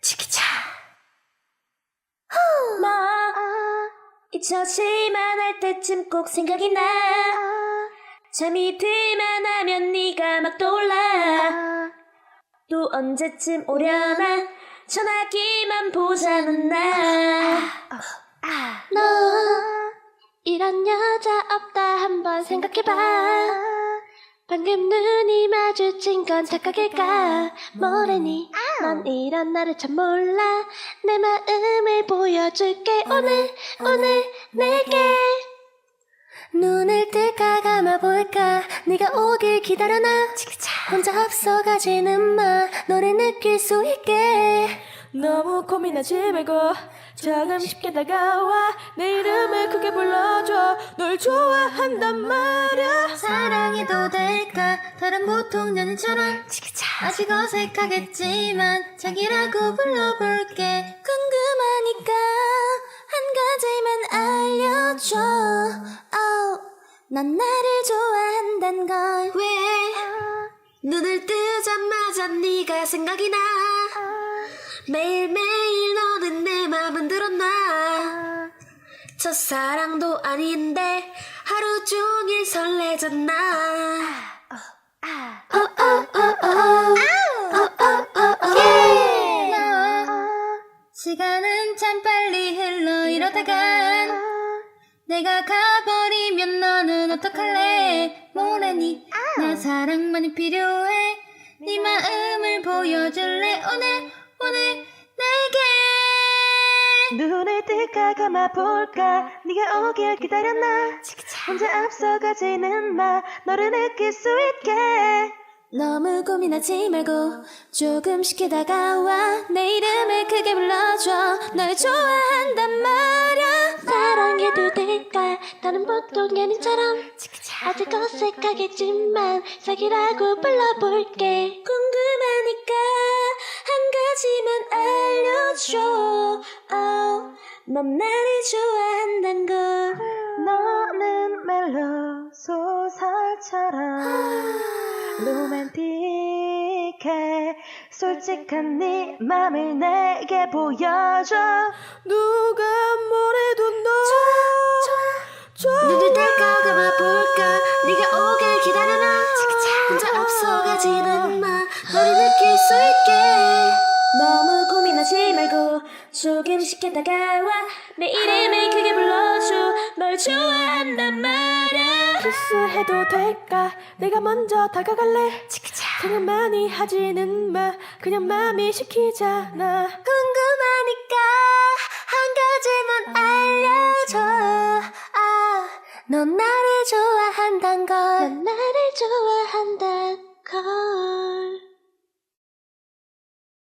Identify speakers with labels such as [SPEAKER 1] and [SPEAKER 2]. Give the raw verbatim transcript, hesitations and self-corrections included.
[SPEAKER 1] 치키차. 뭐 잊혀질만 할 때쯤 꼭 생각이 나. 잠이 들만 하면 네가 막 떠올라. 또 언제쯤 오려나 전화기만 보자는 나.
[SPEAKER 2] 너 이런 여자 없다 한번 생각해봐. 방금 눈이 마주친 건 착각일까 뭐래니. 넌 이런 나를 참 몰라. 내 마음을 보여줄게 오늘 오늘 내게. 눈을 뜰까 감아볼까 네가 오길 기다려나. 혼자 앞서가지는 마 너를 느낄 수 있게.
[SPEAKER 3] 너무 고민하지 말고 조금 쉽게 다가와. 내 이름을 크게 불러줘. 널 좋아한단 말야.
[SPEAKER 2] 사랑해도 될까 다른 보통 연인처럼. 아직 어색하겠지만 자기라고 불러볼게. 궁금하니까 한 가지만 알려줘. oh, 난 나를 좋아한단 걸. 왜 눈을 뜨자마자 네가 생각이 나. 매일매일 너는 내 맘은 들었나. 첫사랑도 아닌데 하루 종일 설레잖아. 시간은 참 빨리 흘러 이러다간 내가 가버리면 너는 어떡할래. 뭐라니 나 사랑만이 필요해. 네 마음을 보여줄래 오늘 오늘 내게.
[SPEAKER 3] 눈을 뜰까 감아볼까 네가 오길 기다렸나. 혼자 앞서가지는 마 너를 느낄 수 있게.
[SPEAKER 2] 너무 고민하지 말고 조금 쉽게 다가와. 내 이름을 크게 불러줘. 널 좋아한단 말야. 사랑해도 될까 다른 보통 연인처럼. 아직 어색하겠지만 사귀라고 불러볼게. 궁금하니까 한 가지만 알려줘. oh, 넌 나를 좋아한단 걸.
[SPEAKER 3] 너는 멜로 소설처럼 로맨틱해. 솔직한 네 맘을 내게 보여줘. 누가 뭐래도 너 좋아.
[SPEAKER 2] 눈을 뗄까 감아볼까 네가 오길 기다려나. 혼자 앞서가지는 마 너를 느낄 수 있게.
[SPEAKER 1] 너무 고민하지 말고 조금 쉽게 다가와. 내 이름을 크게 불러줘. 널 좋아한단 말야.
[SPEAKER 3] 키스해도 될까 내가 먼저 다가갈래. 그냥 많이 하지는 마 그냥 맘이 시키잖아.
[SPEAKER 2] 궁금하니까 한 가지만 알려줘. 아, 넌 나를 좋아한단 걸. 넌 나를 좋아한단 걸.